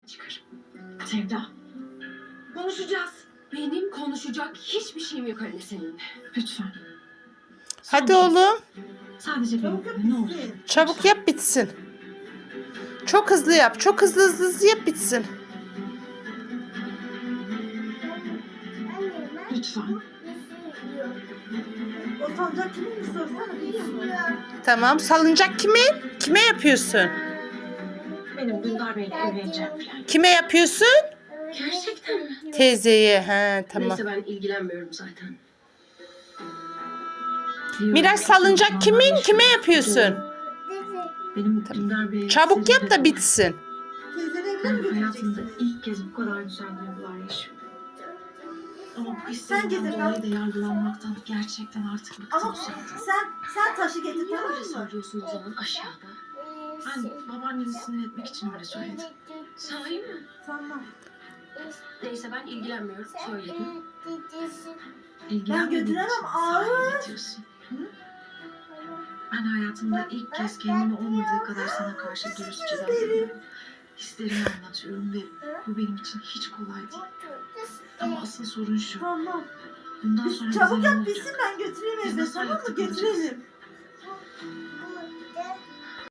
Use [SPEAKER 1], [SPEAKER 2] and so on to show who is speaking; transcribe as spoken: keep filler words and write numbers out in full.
[SPEAKER 1] Çıkar. Sevda. Konuşacağız. Benim konuşacak hiçbir şeyim yok anne seninle. Lütfen.
[SPEAKER 2] Hadi
[SPEAKER 1] Son kez.
[SPEAKER 2] oğlum.
[SPEAKER 1] Sadece benimle ne olur.
[SPEAKER 2] Çabuk yap bitsin. Çok hızlı yap. Çok hızlı hızlı, hızlı yap bitsin.
[SPEAKER 1] Lütfen.
[SPEAKER 3] O sancak kimin mi sorsana biliyor musun?
[SPEAKER 2] Tamam. Salıncak kimin? Kime yapıyorsun?
[SPEAKER 1] Benim Dündar Bey'le evleneceğim falan.
[SPEAKER 2] Kime yapıyorsun?
[SPEAKER 1] Gerçekten mi?
[SPEAKER 2] Teyzeye. He, tamam.
[SPEAKER 1] Neyse ben ilgilenmiyorum zaten.
[SPEAKER 2] Miraç salıncak kimin? Kime yapıyorsun?
[SPEAKER 1] Benim Dündar Bey'e...
[SPEAKER 2] Çabuk yap da bitsin.
[SPEAKER 3] Teyzeni evine
[SPEAKER 1] Ben
[SPEAKER 3] mi
[SPEAKER 1] hayatımda
[SPEAKER 3] götüreceksin?
[SPEAKER 1] ilk kez bu kadar güzel duygular yaşıyorum. Ama bu
[SPEAKER 3] Sen
[SPEAKER 1] hislerinden
[SPEAKER 3] getir,
[SPEAKER 1] dolayı
[SPEAKER 3] ben-
[SPEAKER 1] da yargılanmaktan gerçekten artık bıktım
[SPEAKER 3] Ama
[SPEAKER 1] zaten.
[SPEAKER 3] sen sen taşı getir
[SPEAKER 1] Niye
[SPEAKER 3] tamam
[SPEAKER 1] öyle
[SPEAKER 3] mı?
[SPEAKER 1] söylüyorsun o zaman aşağıda? Ben babaanneni sinir etmek için öyle söyledim. Sahi mi?
[SPEAKER 3] Tamam.
[SPEAKER 1] Neyse ben ilgilenmiyorum. Söyledim.
[SPEAKER 3] Ben
[SPEAKER 1] İlgilenmediğin
[SPEAKER 3] götüremem,
[SPEAKER 1] için
[SPEAKER 3] ağır.
[SPEAKER 1] sahi getiriyorsun. Hı? Ben hayatımda ilk kez kendimi olmadığı kadar sana karşı dürüstçe davranıyorum. Hislerimi anlatıyorum ve bu benim için hiç kolay değil. Ama asıl sorun şu.
[SPEAKER 3] Tamam.
[SPEAKER 1] Bundan
[SPEAKER 3] Biz
[SPEAKER 1] sonra
[SPEAKER 3] çabuk
[SPEAKER 1] bize ne
[SPEAKER 3] yap
[SPEAKER 1] olacak?
[SPEAKER 3] bitsin ben götüreyim
[SPEAKER 1] Biz
[SPEAKER 3] evde
[SPEAKER 1] nasıl
[SPEAKER 3] tamam
[SPEAKER 1] ayakta
[SPEAKER 3] mı?
[SPEAKER 1] kalacağız?
[SPEAKER 3] Götürelim.